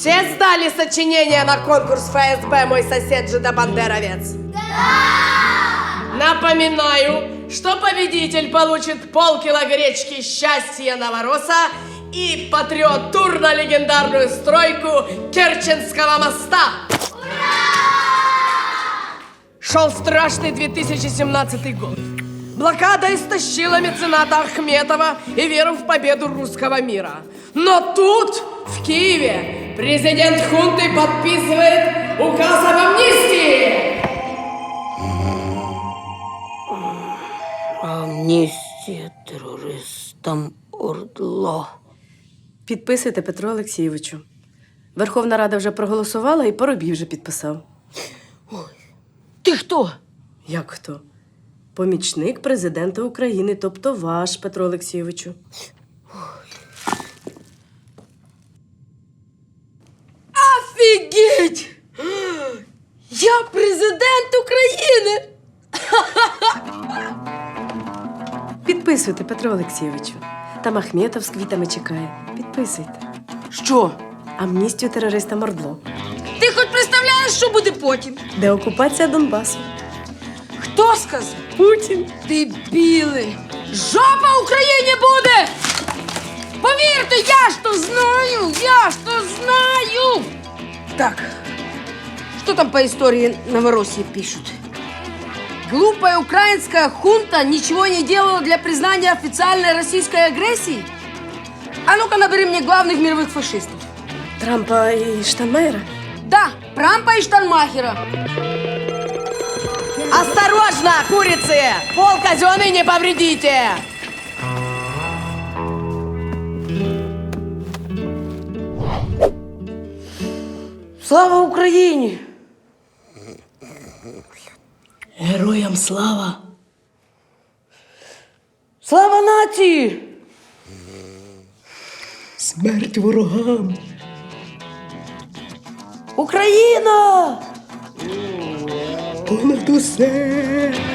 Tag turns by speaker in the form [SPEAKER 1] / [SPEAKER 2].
[SPEAKER 1] Все сдали сочинение на конкурс ФСБ «Мой сосед Жида Бандеровец»? Да! Напоминаю, что победитель получит полкило гречки «Счастье Новороса» и патриот тур на легендарную стройку Керченского моста. Ура! Шел страшный 2017 год. Блокада истощила мецената Ахметова и веру в победу русского мира. Но тут, в Киеве, президент хунты подписывает указ об амнистии.
[SPEAKER 2] Амністія терористам ОРДЛО.
[SPEAKER 3] Підписуйте, Петру Олексійовичу. Верховна Рада вже проголосувала і Поробій вже підписав.
[SPEAKER 2] Ти хто?
[SPEAKER 3] Як хто? Помічник президента України, тобто ваш, Петро Олексійовичу.
[SPEAKER 2] Офігеть! Я президент України!
[SPEAKER 3] Підписуйте, Петро Олексійовичу. Там Ахметов з квітами чекає. Підписуйте.
[SPEAKER 2] Що?
[SPEAKER 3] Амністію терористам ОРДЛО.
[SPEAKER 2] Ти хоч представляєш, що буде потім?
[SPEAKER 3] Деокупація Донбасу.
[SPEAKER 2] Хто сказав?
[SPEAKER 3] Путін.
[SPEAKER 2] Дебіли! Жопа Україні буде! Повірте, я ж то знаю! Так, что там по истории Новороссии пишут? Глупая украинская хунта ничего не делала для признания официальной российской агрессии? А ну-ка набери мне главных мировых фашистов.
[SPEAKER 3] Трампа і Штайнмайєра?
[SPEAKER 2] Да, Трампа и Штайнмахера.
[SPEAKER 1] Осторожно, курицы! Пол казенный не повредите!
[SPEAKER 2] Слава Україні!
[SPEAKER 3] Героям слава!
[SPEAKER 2] Слава нації!
[SPEAKER 3] Смерть ворогам!
[SPEAKER 2] Україна!
[SPEAKER 3] Понад усе!